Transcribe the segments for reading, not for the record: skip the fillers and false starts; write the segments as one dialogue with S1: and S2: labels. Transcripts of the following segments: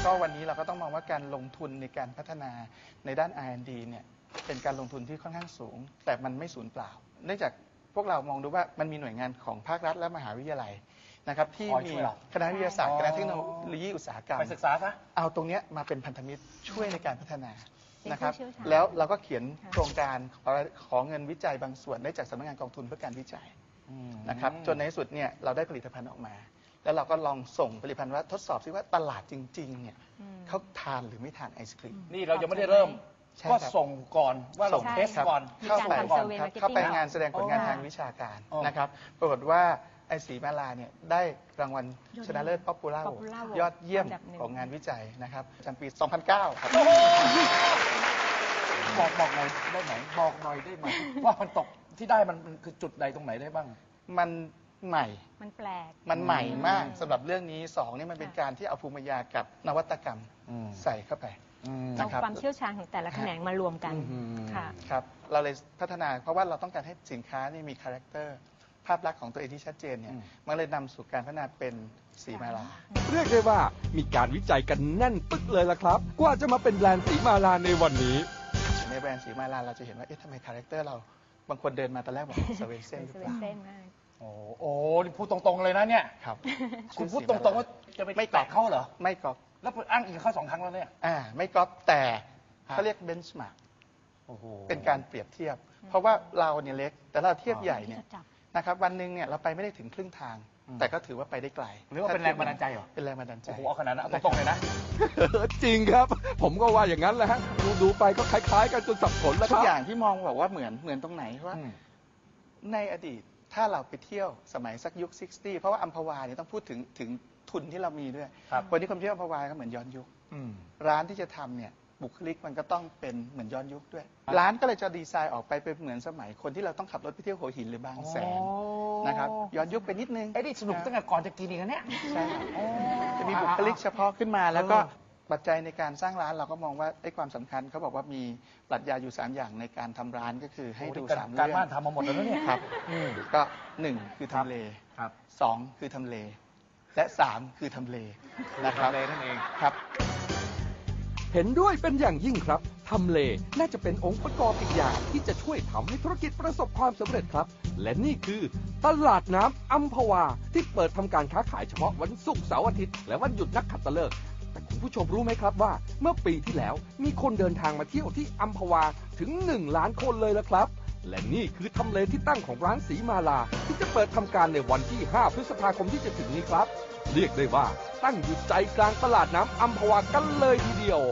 S1: ก็วันนี้เราก็ต้องมองว่าการลงทุนในการพัฒนาในด้าน R&D เนี่ยเป็นการลงทุนที่ค่อนข้างสูงแต่มันไม่สูญเปล่าเนื่องจากพวกเรามองดูว่ามันมีหน่วยงานของภาครัฐและมหาวิทยาลัยนะครับที่มีคณะวิทยาศาสตร์คณะเทคโนโลยีอุตสาหกรรม
S2: ไปศึกษาซะ
S1: เอาตรงนี้มาเป็นพันธมิตรช่วยในการพัฒนานะครับแล้วเราก็เขียนโครงการขอเงินวิจัยบางส่วนได้จากสำนักงานกองทุนเพื่อการวิจัยนะครับจนในที่สุดเนี่ยเราได้ผลิตภัณฑ์ออกมาแล้วเราก็ลองส่งผลิตภัณฑ์ว่าทดสอบซิว่าตลาดจริงๆเนี่ยเขาทานหรือไม่ทานไอศครีม
S2: นี่เรายังไม่ได้เริ่มก็ส่งก่อนว่าเราเทสก่อน
S1: เข้าไปงานแสดงผลงานทางวิชาการนะครับปรากฏว่าไอศรีมาลาเนี่ยได้รางวัลชนะเลิศป๊อปปูล่ายอดเยี่ยมของงานวิจัยนะครับประจำปี 2009 ครับ
S2: บอกหน่อยได้ไหมบอกหน่อยได้ไหมว่ามันตกที่ได้มันคือจุดใดตรงไหนได้บ้าง
S1: มันใหม่
S3: มันแปลก
S1: มันใหม่มากสำหรับเรื่องนี้2นี่มันเป็นการที่เอาภูมิปัญญากับนวัตกรรมใส่เข้าไป
S3: เอาความเชี่ยวชาญของแต่ละแขนงมารวมกันค่ะ
S1: ครับเราเลยพัฒนาเพราะว่าเราต้องการให้สินค้านี่มีคาแรคเตอร์ภาพลักษณ์ของตัวเองที่ชัดเจนเนี่ยมันเลยนำสู่การพัฒนาเป็นสีมาลา
S4: เรียกได้ว่ามีการวิจัยกันแน่นปึ๊กเลยล่ะครับกว่าจะมาเป็นแบรนด์สีมาลาในวันนี้
S1: ในแบรนด์สีมาลาเราจะเห็นว่าเอ๊ะทำไมคาแรคเตอร์เราบางคนเดินมาตอนแรกบอกสเวนเซ่นหรือเปล่า
S2: โอ้นี่พูดตรงๆเลยนะเนี่ย
S1: ครับ
S2: คุณพูดตรงๆว่าจะไม่แตะเขาเหรอ
S1: ไม่ก๊อป
S2: แล้วอ้างอิงเขา2 ครั้งแล้วเนี่ย
S1: ไม่ก๊อปแต่เขาเรียกเบนช์มาร์กเป็นการเปรียบเทียบเพราะว่าเราเนี่ยเล็กแต่เราเทียบใหญ่เนี่ยนะครับวันหนึ่งเนี่ยเราไปไม่ได้ถึงครึ่งทางแต่ก็ถือว่าไปได้ไกล
S2: หรือว่าเป็นแรงบันดาลใจเหรอ
S1: เป็นแรงบันดาลใจ
S2: โอ้โหเอาขนาดนั้นเอาตรงๆเลยนะ
S4: จริงครับผมก็ว่าอย่างนั้นแหละฮะดูไปก็คล้ายๆกันจนสับสนแล้วครับ
S1: ทุกอย่างที่มองบอกว่าเหมือนตรงไหนว่าในอดีตถ้าเราไปเที่ยวสมัยสักยุค 60 เพราะว่าอัมพวาเนี่ยต้องพูดถึงทุนที่เรามีด้วยวันนี้คนเที่ยวอัมพวาก็เหมือนย้อนยุคร้านที่จะทำเนี่ยบุคลิกมันก็ต้องเป็นเหมือนย้อนยุคด้วยร้านก็เลยจะดีไซน์ออกไปเป็นเหมือนสมัยคนที่เราต้องขับรถไปเที่ยวหัวหินหรือบางแสนนะครับย้อนยุคไปนิดนึง
S2: ไอ้นี่สนุกตั้งแต่ก่อนจะกินอีกนะเนี่ย
S1: ใช่จะมีบุคลิกเฉพาะขึ้นมาแล้วก็ปัจจัยในการสร้างร้านเราก็มองว่าไอ้ความสำคัญเขาบอกว่ามีปรัชญาอยู่3อย่างในการทำร้านก็คือให้ดู3เรื่อง
S2: การบ้านทำมาหมดแล้วเนี่ย
S1: ครับก็1คือทำเล2คือทำเลและ3คือทำเลนะครับ
S2: ทำเลนั่นเอง
S1: ครับ
S4: เห็นด้วยเป็นอย่างยิ่งครับทำเลน่าจะเป็นองค์ประกอบอีกอย่างที่จะช่วยทำให้ธุรกิจประสบความสำเร็จครับและนี่คือตลาดน้ำอัมพวาที่เปิดทำการค้าขายเฉพาะวันศุกร์เสาร์อาทิตย์และวันหยุดนักขัตฤกษ์แต่คุณผู้ชมรู้ไหมครับว่าเมื่อปีที่แล้วมีคนเดินทางมาเที่ยวที่อัมพวาถึง1 ล้านคนเลยละครับและนี่คือทำเลที่ตั้งของร้านสีมาลาที่จะเปิดทำการในวันที่5 พฤษภาคมที่จะถึงนี้ครับเรียกได้ว่าตั้งอยู่ใจกลางตลาดน้ำอัมพวากันเลยทีเดียว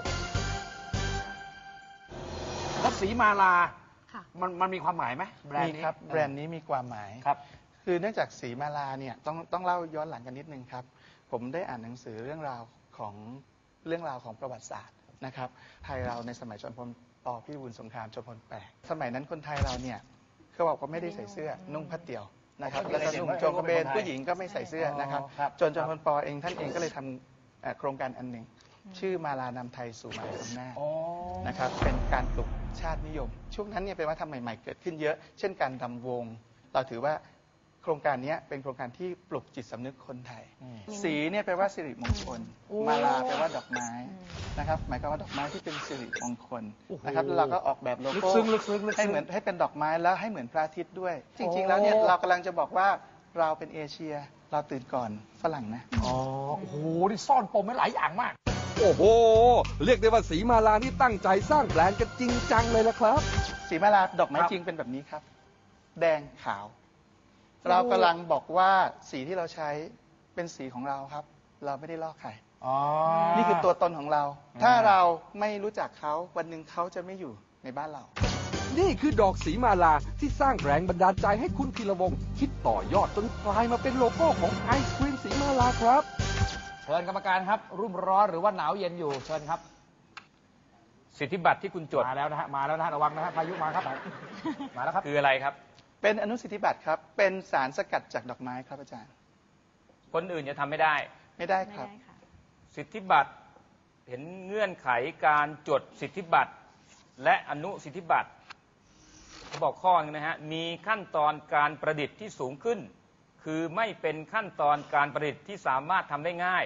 S2: แล้วสีมาลามันมีความหมายไหมแบรนด์นี้
S1: ครับแบรนด์นี้มีความหมาย
S2: ครับ
S1: คือเนื่องจากสีมาลาเนี่ยต้องเล่าย้อนหลังกันนิดนึงครับผมได้อ่านหนังสือเรื่องราวของประวัติศาสตร์นะครับไทยเราในสมัยจอมพลป.พิบูลสงครามจอมพล8สมัยนั้นคนไทยเราเนี่ยเขาบอกว่าไม่ได้ใส่เสื้อนุ่งผ้าเตี่ยวนะครับแล้วก็นุ่งโจงกระเบนผู้หญิงก็ไม่ใส่เสื้อนะครับจนจอมพลป.เองท่านเองก็เลยทำโครงการอันหนึ่งชื่อมาลานำไทยสู่มหาอำนาจนะครับเป็นการปลุกชาตินิยมช่วงนั้นเนี่ยเป็นวัฒนธรรมใหม่ๆเกิดขึ้นเยอะเช่นการรำวงเราถือว่าโครงการนี้เป็นโครงการที่ปลุกจิตสำนึกคนไทยสีเนี่ยแปลว่าสิริมงคลมาลาแปลว่าดอกไม้นะครับหมายความว่าดอกไม้ที่เป็นสิริมงคลนะครับแล้วเราก็ออกแบบโลโก้ให้เป็นดอกไม้แล้วให้เหมือนพระอาทิตย์ด้วยจริงๆแล้วเนี่ยเรากำลังจะบอกว่าเราเป็นเอเชียเราตื่นก่อนฝรั่งนะ
S2: โอ้โหนี่ซ่อนปมไว้หลายอย่างมาก
S4: โอ้โหเรียกได้ว่าสีมาลาที่ตั้งใจสร้างแบรนด์กันจริงจังเลยละครับ
S1: สีมาลาดอกไม้จริงเป็นแบบนี้ครับแดงขาวเรากำลังบอกว่าสีที่เราใช้เป็นสีของเราครับเราไม่ได้ลอกใครนี่คือตัวตนของเราถ้าเราไม่รู้จักเขาวันหนึ่งเขาจะไม่อยู่ในบ้านเรา
S4: นี่คือดอกสีมาลาที่สร้างแรงบันดาลใจให้คุณธีรวงศ์คิดต่อยอดจนกลายมาเป็นโลโก้ของไอศกรีมสีมาลาครับ
S2: เชิญกรรมการครับรุ่มร้อนหรือว่าหนาวเย็นอยู่เชิญครับสิทธิบัตรที่คุณจดมาแล้วนะฮะระวังนะฮะพายุมาครับมาแล้วครับคืออะไรครับ
S1: เป็นอนุสิทธิบัตรครับเป็นสารสกัดจากดอกไม้ครับอาจารย์
S2: คนอื่นจะทำไม่ได้
S1: ครับ
S2: สิทธิบัตรเห็นเงื่อนไขการจดสิทธิบัตรและอนุสิทธิบัตรเขาบอกข้อนึงนะฮะมีขั้นตอนการประดิษฐ์ที่สูงขึ้นคือไม่เป็นขั้นตอนการประดิษฐ์ที่สามารถทำได้ง่าย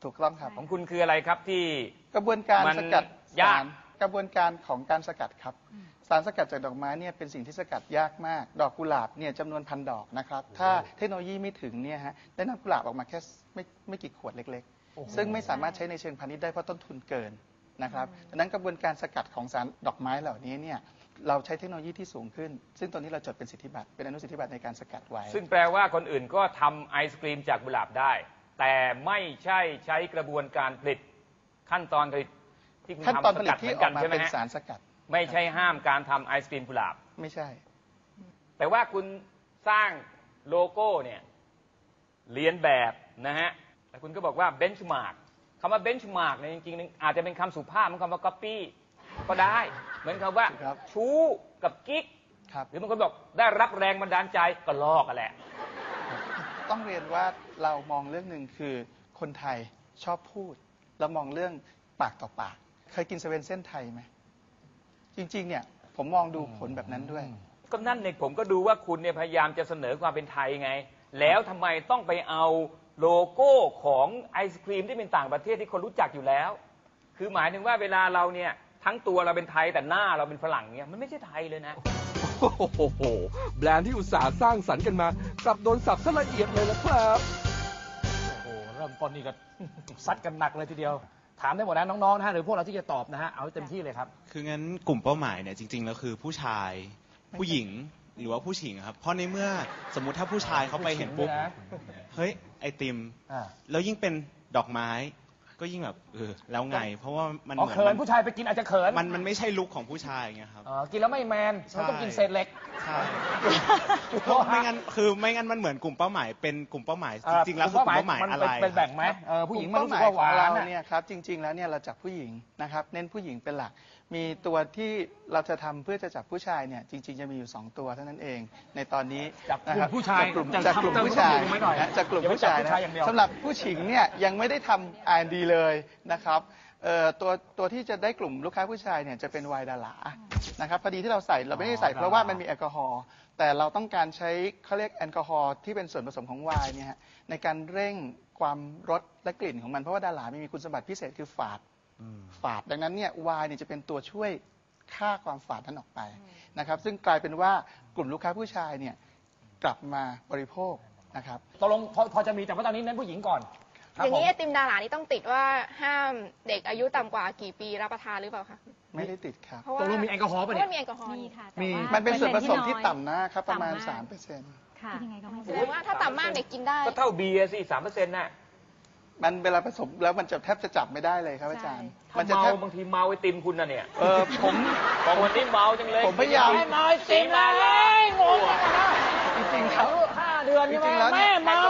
S1: ถูกต้องครับ
S2: ของคุณคืออะไรครับที่
S1: กระบวนการ
S2: มัน
S1: สกัด
S2: ยาก
S1: สารกระบวนการของการสกัดครับ สารสกัดจากดอกไม้เนี่ยเป็นสิ่งที่สกัดยากมาก ดอกกุหลาบเนี่ยจำนวนพันดอกนะครับ ถ้าเทคโนโลยีไม่ถึงเนี่ยฮะได้น้ำกุหลาบออกมาแค่ไม่กี่ขวดเล็กๆ ซึ่งไม่สามารถใช้ในเชิงพาณิชย์ได้เพราะต้นทุนเกินนะครับดังนั้นกระบวนการสกัดของสารดอกไม้เหล่านี้เนี่ยเราใช้เทคโนโลยีที่สูงขึ้น ซึ่งตอนนี้เราจดเป็นสิทธิบัตรเป็นอนุสิทธิบัตรในการสกัดไว้
S2: ซึ่งแปลว่าคนอื่นก็ทำไอศกรีมจากกุหลาบได้ แต่ไม่ใช่ใช้กระบวนการผลิตขั้นตอนผลิตที่คุณ
S1: ขั้นตอน
S2: ทำ
S1: ผ
S2: ส
S1: ลิต
S2: กัดเห
S1: ที่
S2: มือน
S1: อ
S2: กั
S1: อน กมา
S2: ใช่ไหม
S1: เป็น
S2: ฮะ
S1: สารสกัด
S2: ไม่ใช่ห้ามการทำไอศกรีมกุหลาบ
S1: ไม่ใช่
S2: แต่ว่าคุณสร้างโลโก้เนี่ยเรียนแบบนะฮะแต่คุณก็บอกว่าเบนช์มาร์กคำว่าเบนช์มาร์กเนี่ยจริงๆอาจจะเป็นคำสุภาพเหมือนคำว่าก๊อปปี้ก็ได้ เหมือนคำว่า
S1: ครับ
S2: ชู้กับกิ๊ก
S1: ครับ
S2: หรือบางคนบอกได้รับแรงบันดาลใจก็ลอกกันแหละ
S1: ต้องเรียนว่าเรามองเรื่องหนึ่งคือคนไทยชอบพูดเรามองเรื่องปากต่อปาก เคยกินเซเว่นเส้นไทยไหมจริงๆเนี่ยผมมองดูผลแบบนั้นด้วย
S2: ก็นั่นเนี่ยผมก็ดูว่าคุณเนี่ยพยายามจะเสนอความเป็นไทยไง แล้วทำไมต้องไปเอาโลโก้ของไอศครีมที่เป็นต่างประเทศที่คนรู้จักอยู่แล้ว คือหมายถึงว่าเวลาเราเนี่ยทั้งตัวเราเป็นไทยแต่หน้าเราเป็นฝรั่งเนี่ยมันไม่ใช่ไทยเลยนะ
S4: โอ้โหแบรนด์ที่อุตสาห์สร้างสรรค์กันมากลับโดนสับซะละเอียดเลยนะครับ
S5: โอ้โหเริ่มต้นนี่ก็ ซัดกันหนักเลยทีเดียว ถามได้หมดนะน้องๆนะฮะหรือพวกเราที่จะตอบนะฮะเอาให้เต็มที่เลยครับ
S6: คืองั้นกลุ่มเป้าหมายเนี่ยจริงๆแล้วคือผู้ชายผู้หญิงหรือว่าผู้หญิงครับเพราะในเมื่อสมมุติถ้าผู้ชายเขาไปเห็นปุ๊บ
S5: ผู้หญิงด้วยนะ
S6: เฮ้ยไอติม
S5: อ่า
S6: แล้วยิ่งเป็นดอกไม้ก็ยิ่งแบบแล้วไง เพราะว่ามัน
S5: อ๋อ
S6: เหมือน
S5: เขินผู้ชายไปกินอาจจะเขิน
S6: มันไม่ใช่ลุคของผู้ชายไงครับ
S5: กินแล้วไม่แมนมันต้องกินเศษเหล็ก
S6: ใช่เพราะไม่งั้นมันเหมือนกลุ่มเป้าหมายเป็นกลุ่มเป้าหมายจริงๆแล้วคือกลุ่มเป้าหมาย
S5: มัน
S6: อะไร
S5: เป็นแบ่งไหมผู้หญิงมันรู้สึกว่าหวาน
S1: เป้หมยของ
S5: อะ
S1: เราเนี่ยครับจริง ๆแล้วเนี่ยเราจับผู้หญิงนะครับเน้นผู้หญิงเป็นหลัก มีตัวที่เราจะทำเพื่อจะจับผู้ชายเนี่ยจริง ๆจะมีอยู่2ตัวเท่านั้นเองในตอนนี้
S5: จับกลุ่ม
S1: นะครับ
S5: ผู้ชาย
S1: จากกลุ่มผู้ชาย
S5: เติมผู้หญิงไว้หน่อย
S1: นะจากกลุ่มผู้ชาย
S5: อย่าไปจับผู้ชายอย่างเดียว
S1: สำหรับผู้หญิงเนี่ยยังไม่ได้ทำ R&D เลยนะครับตัวที่จะได้กลุ่มลูกค้าผู้ชายเนี่ยจะเป็นไวน์ดาหลานะครับพอดีที่เราใส่เราไม่ได้ใส่เพราะว่ามันมีแอลกอฮอล์แต่เราต้องการใช้เขาเรียกแอลกอฮอล์ที่เป็นส่วนผสมของไวน์เนี่ยฮะในการเร่งความรสและกลิ่นของมันเพราะว่าดาหลามีคุณสมบัติพิเศษคือฝาดดังนั้นเนี่ยไวน์เนี่ยจะเป็นตัวช่วยฆ่าความฝาดนั้นออกไปนะครับซึ่งกลายเป็นว่ากลุ่มลูกค้าผู้ชายเนี่ยกลับมาบริโภคนะครับ
S5: ตกลงพอจะมีแต่ว่าตอนนี้เน้นผู้หญิงก่อนค
S7: อ
S5: รับ
S7: ย่าง
S5: ผม
S7: นี้ไอติมดารานี่ต้องติดว่าห้ามเด็กอายุต่ำกว่ากี่ปีรับประทานหรือเปล่าคะ
S1: ไม่ได้ติดครับ
S7: เพราะ
S5: ต
S7: ว่าก
S5: ลงมีแอลกอฮอล์
S7: เพ
S5: ป่ะ
S7: ราะ
S5: เนี่
S7: ว่าย มีแอลกอฮอล์
S3: มี
S7: นี่
S3: ค่ะ
S5: มี
S3: แต่ว่า
S1: มันเป็นส่วนผสม
S3: ปอร์ซ็
S1: ที่
S3: อย
S1: ต่ำนะครับประมาณ
S3: ต่ำก
S1: 3%
S3: ค่ะยังไงก็ไม่
S7: แสดงว่าถ้าต่ำมากเด็กกินได้
S2: ก็เท่าเบียร์สิ3%น่ะ
S1: มันเวลาผสมแล้วมันจะแทบจะจับไม่ได้เลยครับอาจารย์
S2: ถ้า
S1: มันจะ
S2: เมา
S1: แทบ
S2: บางทีเมาไอติมคุณน่ะเนี่ย
S1: ผม
S2: บอกวันนี้เมาจังเลย
S1: ผมพยายาม
S5: ไม่เมาไอติมเลยงงจังนะ
S1: จริงๆครับ
S5: 5 เดือนใช่ไหม
S1: จริงๆแล้วเนี่ย
S5: แม่เมา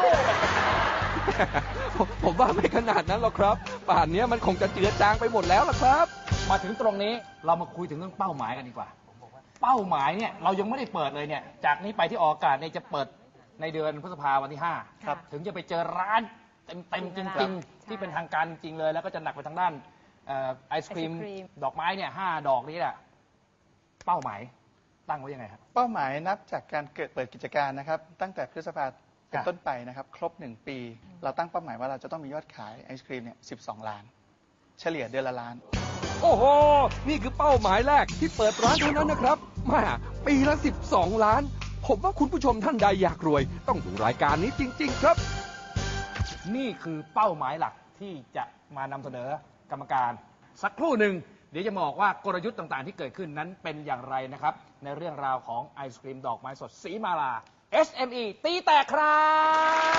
S4: ผมว่าไม่ขนาดนั้นหรอกครับ ป่านนี้มันคงจะเจือจางไปหมดแล้วล่ะครับ
S5: มาถึงตรงนี้เรามาคุยถึงเรื่องเป้าหมายกันดีกว่า เป้าหมายเนี่ยเรายังไม่ได้เปิดเลยเนี่ย จากนี้ไปที่ออกอากาศเนี่ยจะเปิดในเดือนพฤษภาวันที่ 5
S3: ครับ
S5: ถึงจะไปเจอร้านเต็มๆจริงๆ ที่เป็นทางการจริงๆเลย แล้วก็จะหนักไปทางด้านไอศครีม
S3: ไอศกรีม
S5: ดอกไม้เนี่ย5 ดอกนี้แหละเป้าหมายตั้งไว้ยังไงครับ
S1: เป้าหมายนับจากการเปิดกิจการนะครับ ตั้งแต่พฤษภาเป็น
S5: ครับ
S1: ต้นไปนะครับ ครบ 1 ปี เราตั้งเป้าหมายว่าเราจะต้องมียอดขายไอศครีมเนี่ย12 ล้าน เฉลี่ยเดือนละล้าน
S4: โอ้โห นี่คือเป้าหมายแรกที่เปิดร้านเท่านั้นนะครับมาปีละ 12 ล้าน ผมว่าคุณผู้ชมท่านใดอยากรวย ต้องดูรายการนี้จริง ๆ ครับ
S5: นี่คือเป้าหมายหลักที่จะมานำเสนอกรรมการ สักครู่หนึ่งเดี๋ยวจะบอกว่ากลยุทธ์ต่างๆที่เกิดขึ้นนั้นเป็นอย่างไรนะครับ ในเรื่องราวของไอศครีมดอกไม้สดสีมาลา SME ตีแตกครับ